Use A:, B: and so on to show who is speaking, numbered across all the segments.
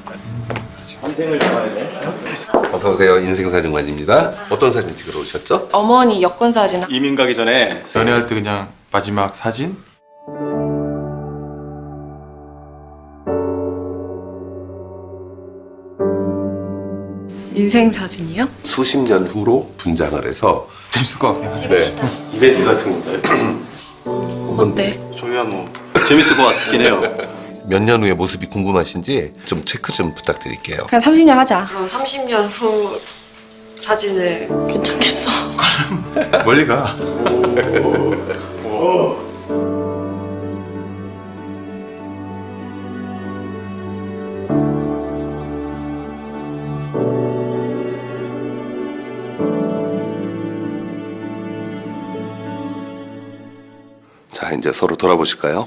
A: 인생을 담아야 돼.
B: 어서 오세요. 인생사진관입니다. 어떤 사진 찍으러 오셨죠?
C: 어머니 여권 사진.
A: 이민 가기 전에
D: 연애할 때 그냥 마지막 사진?
C: 인생 사진이요?
B: 수십 년 후로 분장을 해서
D: 재밌을 것 같긴 해.
C: 찍읍시다.
B: 이벤트 같은 건가요?
C: 어때?
A: 저희야 뭐 재밌을 것 같긴 해요.
B: 몇 년 후의 모습이 궁금하신지 좀 체크 좀 부탁드릴게요.
C: 그냥 30년 하자.
E: 그럼 30년 후 사진을
C: 괜찮겠어.
D: 멀리 가.
B: 자, 이제 서로 돌아보실까요?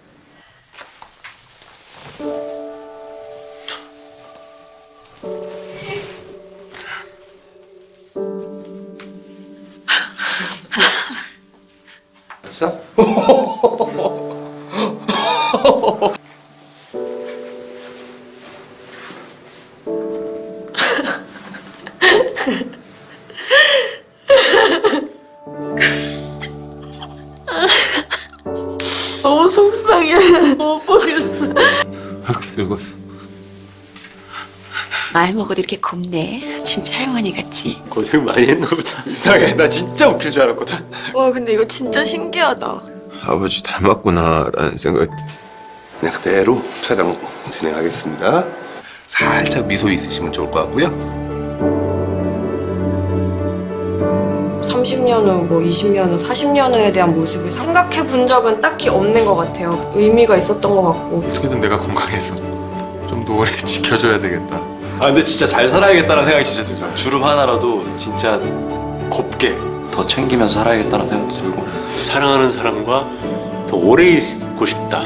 B: 됐어?
E: 너무 속상해. 못 보겠어.
D: 이렇게 늙었어.
F: 나이 먹어도 이렇게 곱네. 진짜 할머니 같지?
A: 고생 많이 했나 보다. 이상해. 나 진짜 웃길 줄 알았거든.
E: 와 근데 이거 진짜 신기하다.
D: 아버지 닮았구나라는 생각이
B: 그냥 그대로 촬영 진행하겠습니다. 살짝 미소 있으시면 좋을 것 같고요.
E: 30년 후, 뭐 20년 후, 40년 후에 대한 모습을 생각해 본 적은 딱히 없는 것 같아요. 의미가 있었던 것 같고.
D: 어떻게든 내가 건강해서 좀 더 오래 지켜줘야 되겠다.
A: 아 근데 진짜 잘 살아야겠다는 생각이 진짜 들어요. 주름 하나라도 진짜 곱게 더 챙기면서 살아야겠다는 생각도 들고.
G: 사랑하는 사람과 더 오래 있고 싶다.